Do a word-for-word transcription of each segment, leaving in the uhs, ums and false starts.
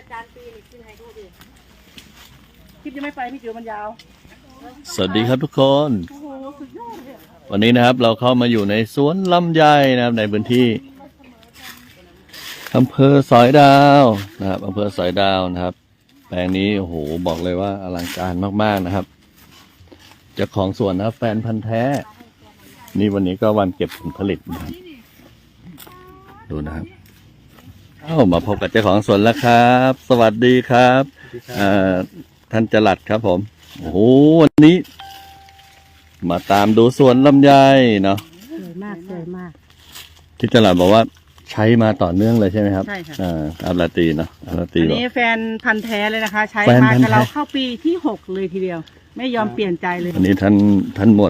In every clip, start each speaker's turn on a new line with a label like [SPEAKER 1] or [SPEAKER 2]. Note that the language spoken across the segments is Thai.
[SPEAKER 1] อาจารย์ปีนี่ขึ้นให้ดูดิ
[SPEAKER 2] คลิปยังไม่ไปพี่จิ๋วมันยาว
[SPEAKER 3] สวัสดีครับทุกคน
[SPEAKER 2] โอ้โหสุดยอดเลย
[SPEAKER 3] วันนี้นะครับเราเข้ามาอยู่ในสวนลำไยนะครับในพื้นที่อำเภอสอยดาวนะครับอำเภอสอยดาวนะครับแปลงนี้โอ้โหบอกเลยว่าอลังการมากๆนะครับเจ้าของสวนนะครับแฟนพันธ์แท้นี่วันนี้ก็วันเก็บผลผลิตนะครับดูนะครับเอ้ามาพบกับเจ้าของสวนแล้วครับ สวัสดีครับอ่าท่านจรัสครับผมโอ้โหวันนี้ มาตามดูสวนลำไยเนาะ
[SPEAKER 1] สวยมากสวยมาก
[SPEAKER 3] ที่จรัสบอกว่าใช้มาต่อเนื่องเลยใช่ไหมครับ
[SPEAKER 2] ใช่ค่ะ
[SPEAKER 3] อ่าอัลลาตีเนาะอัลลาตี
[SPEAKER 2] อัน
[SPEAKER 3] บอก
[SPEAKER 2] นี้แฟนพันธ์แท้เลยนะคะ ใช้
[SPEAKER 3] แฟน
[SPEAKER 2] มา
[SPEAKER 3] พันธุ์
[SPEAKER 2] กับเรา
[SPEAKER 3] แท้
[SPEAKER 2] เข้าปีที่หกเลยทีเดียว ไม่ยอมเปลี่ยนใจเลย
[SPEAKER 3] อันนี้ท่านท่านหมด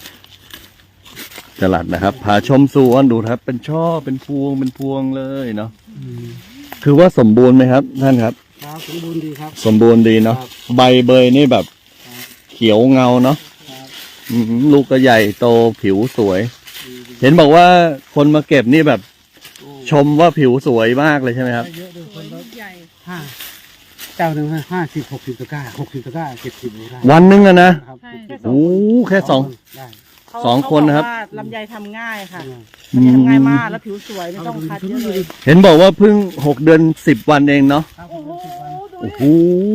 [SPEAKER 3] จรัสนะครับพาชมสวนดูครับ เป็นช่อเป็นพวงเป็นพวงเลยเนาะคือว่าสมบูรณ์ไหมครับ ท่านครับ
[SPEAKER 4] ครับสมบูรณ์ดีครับ
[SPEAKER 3] สมบูรณ์ดีเนาะใบเบยนี่แบบเขียวเงาเนาะ
[SPEAKER 4] ครับ
[SPEAKER 3] อืมลูกก็ใหญ่โตผิวสวย เห็นบอกว่าคนมาเก็บนี่แบบ ชมว่าผิวสวยมากเลยใช่ไหมครับ
[SPEAKER 4] เยอะด้วยคนละ
[SPEAKER 2] ใหญ่
[SPEAKER 4] ห้าเจ้าหนึ่งห้าสิบหกสิบตะกร้าหกสิบตะกร้าเจ็ดสิบได้
[SPEAKER 3] วันหนึงอะนะครับ
[SPEAKER 2] ใช่
[SPEAKER 3] โอ้แค่สอง
[SPEAKER 4] ได้
[SPEAKER 2] เขา
[SPEAKER 3] สองคนนะครับ
[SPEAKER 2] เขาอกว่าลำไยทำง่ายค่ะ
[SPEAKER 3] อื
[SPEAKER 2] ลำไย
[SPEAKER 3] ม
[SPEAKER 2] ทำง่ายมากแล้วผิวสวยไม่ต้องคัดเยอะเลย
[SPEAKER 3] เห็นบอกว่าเพิ่งหกเดือนสิบวันเองเนาะ
[SPEAKER 4] ครับ
[SPEAKER 2] โอ้โหดู
[SPEAKER 3] โอ้
[SPEAKER 2] ดิ
[SPEAKER 3] โห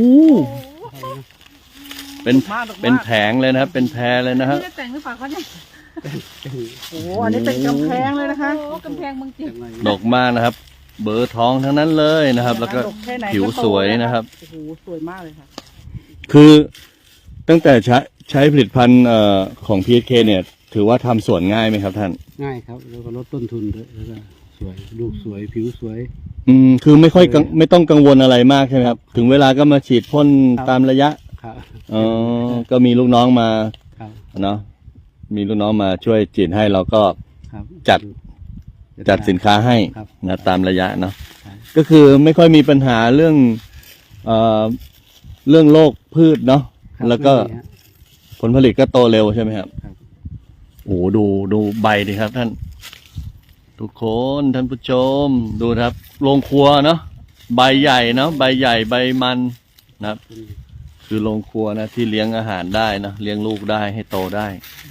[SPEAKER 3] เป็น
[SPEAKER 2] มากดอกมาก
[SPEAKER 3] เป็นแผงเลยนะครับ เป็นแพรเลยนะครับ
[SPEAKER 1] ไม่ได้แต่งหรือเปล่าเขาเนี่ย
[SPEAKER 2] โอ้โหอันนี้เป็นกำแพงเลยนะคะ
[SPEAKER 1] โอ้กำแพงเมืองจีน
[SPEAKER 3] ดอกมากนะครับ เบอร์ทองทั้งนั้นเลยนะครับ แล้วก็
[SPEAKER 2] ดอกแค่ไหน
[SPEAKER 3] ผิวสวยนะครับ
[SPEAKER 2] โอ้โหสวยมากเลยค่ะ
[SPEAKER 3] คือตั้งแต่ใช้ใช้ผลิตภัณฑ์เอ่อของ พี เอส เค เนี่ย ถือว่าทำสวนง่ายไหมครับท่าน
[SPEAKER 4] ง่ายครับแล้วก็ลดต้นทุนด้วยแล้วก็สวยลูกสวยผิวสวย
[SPEAKER 3] อืมคือไม่ค่อยกังไม่ต้องกังวลอะไรมากใช่ไหมครับ ถึงเวลาก็มาฉีดพ่น
[SPEAKER 4] ครับ
[SPEAKER 3] ตามระยะ
[SPEAKER 4] ครับ
[SPEAKER 3] อ๋อก็มีลูกน้องมา
[SPEAKER 4] ครับ
[SPEAKER 3] เนาะมีลูกน้องมาช่วยฉีดให้เราก็
[SPEAKER 4] ครับ
[SPEAKER 3] จัด จัดสินค้าให้
[SPEAKER 4] ครับ
[SPEAKER 3] นะตามระยะเนาะ
[SPEAKER 4] ครับ
[SPEAKER 3] ก็คือไม่ค่อยมีปัญหาเรื่องเอ่อเรื่องโรคพืชเนาะ
[SPEAKER 4] ครับ
[SPEAKER 3] แล้วก็
[SPEAKER 4] ไม่มีฮะ
[SPEAKER 3] ผลผลิตก็โตเร็วใช่ไหมครับ
[SPEAKER 4] ครับ
[SPEAKER 3] โอ้โหดูดูใบดิครับ ท่าน ทุกคนท่านผู้ชมดูนะครับโรงครัวเนาะใบใหญ่เนาะใบใหญ่ใบมันนะครับ คือโรงครัวนะที่เลี้ยงอาหารได้นะเลี้ยงลูกได้ให้โตได้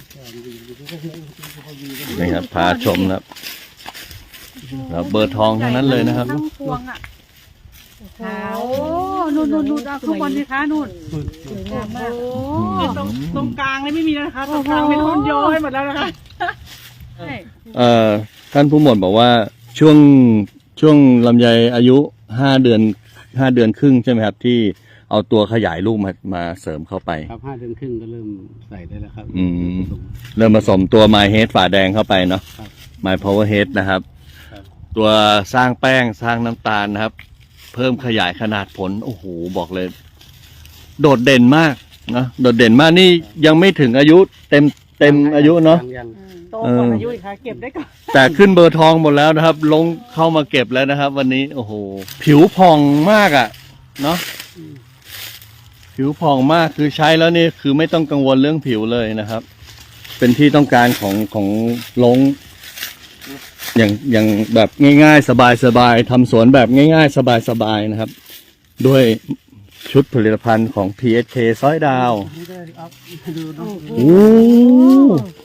[SPEAKER 3] นี่ครับพาชมนะครับแล้วเบอร์ทองทั้งนั้นเลยนะครับ
[SPEAKER 2] ทั้งพวงอ่ะขาวนู่นนู่นนู่นเอาข้างบนสิคะนู่น
[SPEAKER 1] สวยงามมาก
[SPEAKER 2] โอ้ตรงตรงกลางเลยไม่มีแล้วนะคะตรงกลางเป็นต้นโยให้หมดแล้วนะคะใช่
[SPEAKER 3] เอ่อท่านผู้หมวดบอกว่าช่วงช่วงลำไยอายุห้าเดือนห้าเดือนครึ่งใช่ไหมครับ ที่เอาตัวขยายลูกมามาเสริมเข้าไป
[SPEAKER 4] ครับห้าเดือนครึ่งก็เริ่มใส่ได้แล้วครับ
[SPEAKER 3] อืม เริ่มผสมตัว My Head ฝาแดงเข้าไปเนาะ
[SPEAKER 4] ครับ
[SPEAKER 3] My Power Head นะครับ
[SPEAKER 4] ครับ
[SPEAKER 3] ตัวสร้างแป้งสร้างน้ำตาลนะครับ เพิ่มขยายขนาดผล โอ้โห บอกเลย โดดเด่นมากนะโดดเด่นมากนี่ยังไม่ถึงอายุเต็มเต็มอายุเนาะ
[SPEAKER 4] ยัง
[SPEAKER 2] โตกว่าอายุอีกค่ะเก็บได้ก่อน
[SPEAKER 3] แต่ขึ้นเบอร์ทองหมดแล้วนะครับ ลงเข้ามาเก็บแล้วนะครับ วันนี้โอ้โห ผิวผ่องมากอะ่ะ เนาะผิวผ่องมากคือใช้แล้วนี่คือไม่ต้องกังวลเรื่องผิวเลยนะครับ เป็นที่ต้องการของของลง อย่างอย่างแบบง่ายๆ สบายๆทำสวนแบบง่ายๆ สบายๆนะครับ ด้วยชุดผลิตภัณฑ์ของ พี เอส เค ซ้อยดาว
[SPEAKER 4] ไม่ได้เอาดูดู
[SPEAKER 3] โอ้